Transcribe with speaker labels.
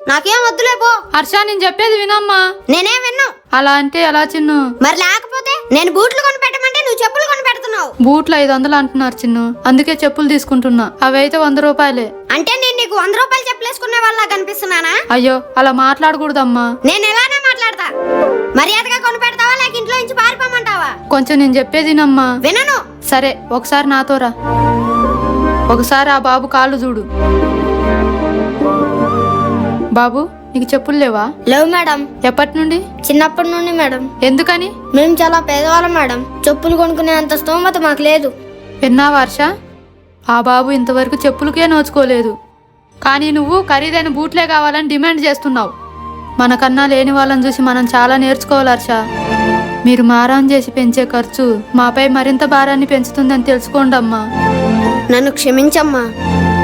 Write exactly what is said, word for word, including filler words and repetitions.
Speaker 1: నాకేం వద్దులే పో.
Speaker 2: హర్ష నేను చెప్పేది వినమ్మా.
Speaker 1: నేనే విన్ను.
Speaker 2: అలా అంటే ఎలా చిన్ను?
Speaker 1: మరి లేకపోతే నేను బూట్లు కొని పెట్టమంటే నువ్వు చెప్పులు కొని పెడుతున్నావు.
Speaker 2: బూట్లు ఐదు వందలు అంటున్నారు చిన్ను, అందుకే చెప్పులు తీసుకుంటున్నా. అవి అయితే వంద రూపాయలే.
Speaker 1: అంటే నేను నీకు వంద రూపాయలు చెప్పులేసుకునే వాళ్ళ కనిపిస్తున్నానా?
Speaker 2: అయ్యో అలా మాట్లాడకూడదమ్మా.
Speaker 1: నేను ఎలానే మాట్లాడతా. మర్యాదగా కొని పెడతావా లేక ఇంట్లో నుంచి పారిపోమంటావా?
Speaker 2: కొంచెం నేను చెప్పేది వినమ్మా.
Speaker 1: వినను.
Speaker 2: సరే ఒకసారి నాతో రా. ఒకసారి ఆ బాబు కాళ్ళు చూడు. బాబు నీకు చెప్పులు లేవా?
Speaker 1: లేవు మేడం.
Speaker 2: ఎప్పటి నుండి?
Speaker 1: చిన్నప్పటి నుండి మేడం.
Speaker 2: ఎందుకని?
Speaker 1: మేము చాలా పేదవాళ్ళం మేడం. చెప్పులు కొనుక్కునే అంత స్తోమత మాకు లేదు.
Speaker 2: విన్నావా హర్ష? ఆ బాబు ఇంతవరకు చెప్పులకే నోచుకోలేదు, కానీ నువ్వు ఖరీదైన బూట్లే కావాలని డిమాండ్ చేస్తున్నావు. మనకన్నా లేని వాళ్ళని చూసి మనం చాలా నేర్చుకోవాలి హర్ష. మీరు మారం చేసి పెంచే ఖర్చు మాపై మరింత భారాన్ని పెంచుతుందని తెలుసుకోండి అమ్మా.
Speaker 1: నన్ను క్షమించమ్మా.